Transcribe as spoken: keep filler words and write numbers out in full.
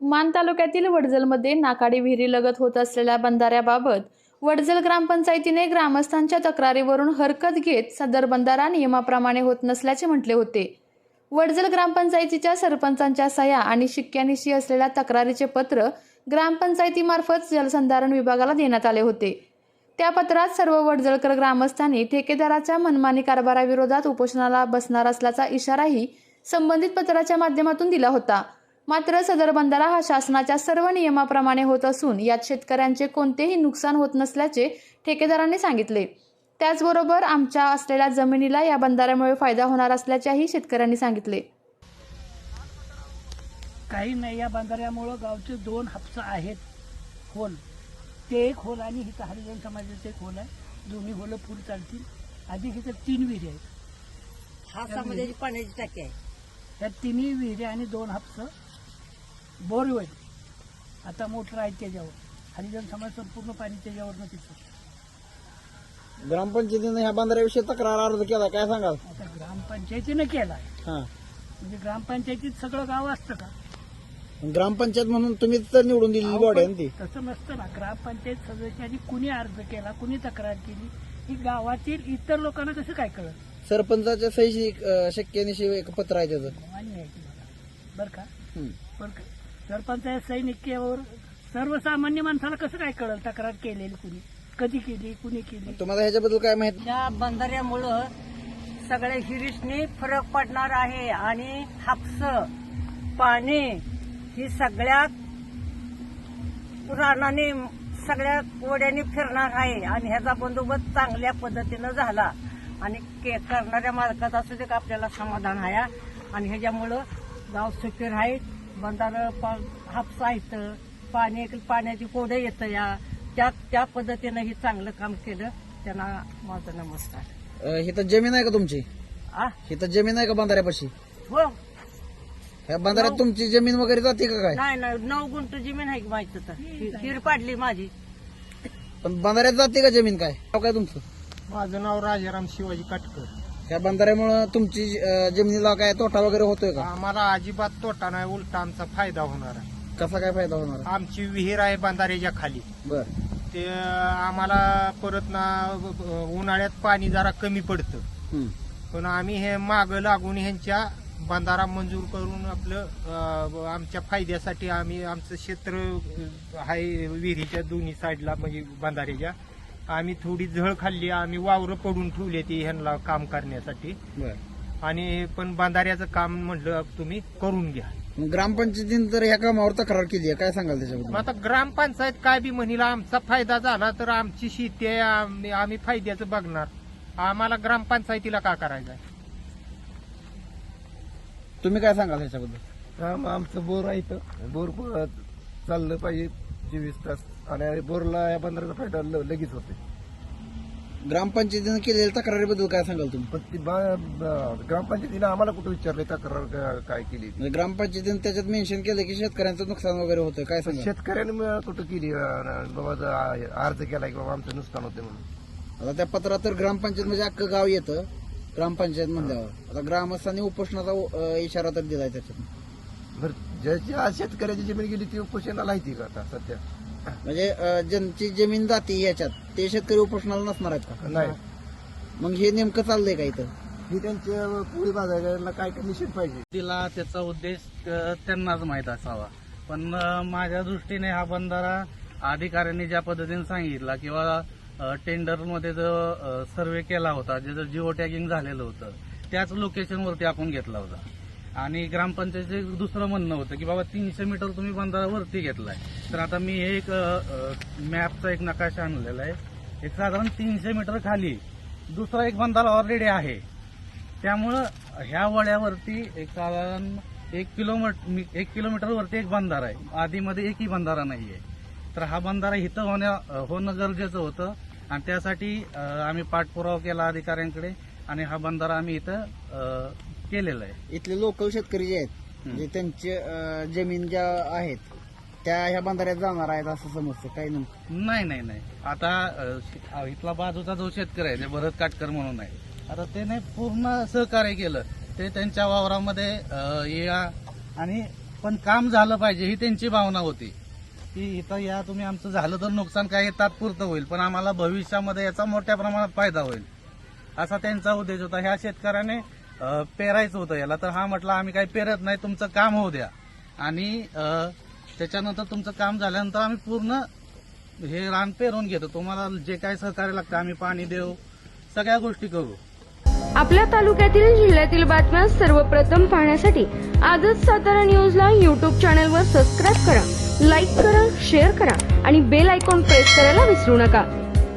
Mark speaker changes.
Speaker 1: मान तालुक्यातील वडजलमध्ये नाकाडी विहिरीलगत होत असलेल्या बंधाऱ्याबाबत वडजल ग्रामपंचायतीने ग्रामस्थांच्या तक्रारीवरून हरकत घेत सदर बंधारा नियमाप्रमाणे होत नसल्याचे म्हटले होते। वडजल ग्रामपंचायतीच्या सरपंचांच्या सह्या आणि शिक्क्यानिशी असलेल्या तक्रारीचे पत्र ग्रामपंचायतीमार्फत जलसंधारण विभागाला देण्यात आले होते। त्या पत्रात सर्व वडजलकर ग्रामस्थांनी ठेकेदाराच्या मनमानी कारभाराविरोधात उपोषणाला बसणार असल्याचा इशाराही संबंधित पत्राच्या माध्यमातून दिला होता। मात्र सदर बंधारा हा शासनाच्या सर्व नियमाप्रमाणे होत असून यात शेतकऱ्यांचे कोणतेही नुकसान होत नसल्याचे ठेकेदारांनी सांगितले। त्याचबरोबर आमच्या असलेल्या जमिनीला या बंधाऱ्यामुळे फायदा होणार असल्याचेही शेतकऱ्यांनी सांगितले।
Speaker 2: काही नाही, या बंधाऱ्यामुळे गावचे दोन हापसा आहेत खोल, ते एक खोल आणि हिथं हरिजन समाजाचे एक खोल आहे, दोन्ही खोल पुढे चालतील। अधिक इथं तीन विहिरी आहेत,
Speaker 3: हापसामध्ये पाण्याची टाकी आहे।
Speaker 2: या तिन्ही विहिरी आणि दोन हापसं बोरवेल आता मोटर आहेत त्याच्यावर, हरिजन समाज संपूर्ण पाणी त्याच्यावरनं तिथं।
Speaker 4: ग्रामपंचायतीने ह्या बंधाऱ्याविषयी तक्रार अर्ज केला, काय सांगाल?
Speaker 2: आता ग्रामपंचायतीनं केलाय,
Speaker 4: हा,
Speaker 2: म्हणजे ग्रामपंचायतीत सगळं गाव असतं का?
Speaker 4: ग्रामपंचायत म्हणून तुम्हीच तर निवडून दिलेली बॉडी आहे ती।
Speaker 2: तसं नसतं ना, ग्रामपंचायत सदस्यांनी कुणी अर्ज केला, कुणी तक्रार केली, ही गावातील इतर लोकांना कसं काय कळत?
Speaker 4: सरपंचाच्या सही शक्यनिशी एक पत्र आहे त्याचं,
Speaker 2: मान्य आहे तुम्हाला बरं का?
Speaker 4: हम्म.
Speaker 2: पण सरपंचाच्या सैनिकावर सर्वसामान्य माणसाला कसं काय कळल तक्रार केलेली, कुणी कधी केली, कुणी केली?
Speaker 4: तुम्हाला ह्याच्याबद्दल काय माहिती?
Speaker 3: या बंधाऱ्यामुळं सगळ्या हिरीसनी फरक पडणार आहे आणि हापस पाणी ही सगळ्या रानाने सगळ्या ओढ्याने फिरणार आहे आणि ह्याचा बंदोबस्त चांगल्या पद्धतीनं झाला आणि करणाऱ्या मालकाचा असू का आपल्याला समाधान आहे आणि ह्याच्यामुळं गाव सुखी आहे। बंधारं हापसा येतं, पाणी पाण्याची कोडं येतं, या त्या त्या पद्धतीनं ही चांगलं काम केलं, त्यांना माझा नमस्कार।
Speaker 4: इथं जमीन आहे का तुमची?
Speaker 3: आ
Speaker 4: इथं जमीन आहे का बंधाऱ्यापाशी?
Speaker 3: हो,
Speaker 4: ह्या बंधाऱ्यात तुमची जमीन वगैरे जाते का काय?
Speaker 3: नाही नाही, नऊ गुंठ जमीन आहे माहिती तर हिर पाडली माझी।
Speaker 4: पण बंधाऱ्यात जाते का जमीन? काय नाव काय तुमचं?
Speaker 5: माझं नाव राजाराम शिवाजी काटकर।
Speaker 4: ह्या बंधाऱ्यामुळे तुमची अं, जमिनीला काय तोटा वगैरे होतोय का?
Speaker 5: आम्हाला अजिबात तोटा नाही, उलटा आमचा फायदा होणार आहे।
Speaker 4: कसा काय फायदा होणार?
Speaker 5: आमची विहीर आहे बंधाऱ्याच्या खाली,
Speaker 4: बर,
Speaker 5: ते आम्हाला परत ना उन्हाळ्यात पाणी जरा कमी पडतं,
Speaker 4: हम्म.
Speaker 5: पण आम्ही हे माग लागून ह्यांच्या बंधारा मंजूर करून आपलं अं, आमच्या फायद्यासाठी आम्ही आमचं क्षेत्र आहे विहिरीच्या दोन्ही साईडला, म्हणजे बंधाऱ्याच्या आम्ही थोडी झळ खाल्ली, आम्ही वावरं पडून ठेवले ती ह्यांना काम करण्यासाठी,
Speaker 4: बर.
Speaker 5: आणि पण बंधाऱ्याचं काम म्हटलं तुम्ही करून घ्या।
Speaker 4: ग्रामपंचायतीने तर ह्या कामावर तक्रार केली आहे, काय सांगाल
Speaker 5: मग
Speaker 4: त्याच्याबद्दल?
Speaker 5: आता ग्रामपंचायत काय बी म्हणील, आमचा फायदा झाला तर आमची शेती आहे, आम्ही आम्ही फायद्याचं बघणार, आम्हाला ग्रामपंचायतीला का करायचं आहे?
Speaker 4: तुम्ही काय सांगाल ह्याच्याबद्दल?
Speaker 6: आम आमचं बोर आहे इथं, बोर प- चाललं पाहिजे चोवीस तास आणि बोरला या बंदराचा फायदा ल- लगेच होते।
Speaker 4: ग्रामपंचायतीने केलेल्या तक्रारीबद्दल काय सांगाल तुम्ही?
Speaker 6: पण ती बा- ब- ग्रामपंचायतीने आम्हाला कुठं विचारले तक्रार का- काय केली ती?
Speaker 4: म्हणजे ग्रामपंचायतीने त्याच्यात मेन्शन केलं की शेतकऱ्यांचं नुकसान वगैरे होतं, काय सांगाल?
Speaker 6: शेतकऱ्याने म- कुठं केली अं, बाबा ज- अर्ज केला की बाबा आमचं नुकसान होते म्हणून।
Speaker 4: आता त्या पत्रात तर ग्रामपंचायत म्हणजे अख्खं गाव येतं ग्रामपंचायत म्हणल्यावर। आता ग्रामस्थांनी उपोषणाचा अं, इशारा तर दिलाय त्याच्यात।
Speaker 6: बरं, ज्याची आज शेतकऱ्याची जमीन गेली ती उपोषणाला आहे का आता सध्या?
Speaker 4: म्हणजे अं, ज्यांची जमीन जाते याच्यात ते शेतकरी उपोषणाला नसणार आहेत का?
Speaker 6: नाही,
Speaker 4: मग हे नेमकं चाललंय का इथं?
Speaker 6: ही त्यांच्या पोळी बाजाराला काय निषेध पाहिजे?
Speaker 7: तिला त्याचा उद्देश अ, त्यांनाच माहीत असावा, पण अ, माझ्या दृष्टीने हा बंधारा अधिकाऱ्यांनी ज्या पद्धतीने सांगितला किंवा टेंडरमध्ये जो सर्वे केला होता, ज्याचं जिओ टॅगिंग झालेलं होतं, त्याच लोकेशनवरती आपण घेतला होता। आणि ग्रामपंचायतीचं दुसरं म्हणणं होतं की बाबा तीनशे मीटर तुम्ही बंधारा वरती घेतलाय, तर आता मी एक मॅपचा एक नकाशा आणलेला आहे, एक साधारण तीनशे मीटर खाली दुसरा एक बंधारा ऑलरेडी आहे, त्यामुळं ह्या वड्यावरती एक साधारण एक किलोमीटर एक किलोमीटरवरती एक बंधारा आहे, आधीमध्ये एकही बंधारा नाहीये। तर हा बंधारा इथं होण्या होणं गरजेचं होतं आणि त्यासाठी अ, आम्ही पाठपुरावा केला अधिकाऱ्यांकडे आणि हा बंधारा आम्ही इथं अ, केलेला आहे।
Speaker 4: इथले लोकल शेतकरी जे आहेत म्हणजे त्यांचे अं, जमीन ज्या आहेत त्या ह्या बंधाऱ्यात जाणार आहेत असं समजतं, काही नेमकं?
Speaker 7: नाही नाही नाही, आता अ, श- इथला बाजूचा जो शेतकरी आहे ते भरत काटकर म्हणून आहे, आता त्याने पूर्ण सहकार्य केलं, ते त्यांच्या वावरामध्ये अ, या आणि पण काम झालं पाहिजे ही त्यांची भावना होती की इथं या तुम्ही आमचं झालं तर नुकसान काही तात्पुरतं होईल पण आम्हाला भविष्यामध्ये याचा मोठ्या प्रमाणात फायदा होईल असा त्यांचा उद्देश होता. ह्या शेतकऱ्याने अं, पेरायचं होतं याला तर हा म्हटला आम्ही काही पेरत नाही तुमचं काम होऊ द्या आणि अं, त्याच्यानंतर तुमचं काम झाल्यानंतर आम्ही पूर्ण हे रान पेरून घेतो तुम्हाला जे काही सहकार्य लागतं आम्ही पाणी देऊ सगळ्या गोष्टी करू.
Speaker 8: आपल्या तालुक्यातील जिल्ह्यातील बातम्या सर्वप्रथम पाहण्यासाठी आजच सातारा न्यूजला यूट्यूब चॅनलवर सबस्क्राईब करा, लाईक करा, शेअर करा आणि बेल आयकॉन प्रेस करायला विसरू नका.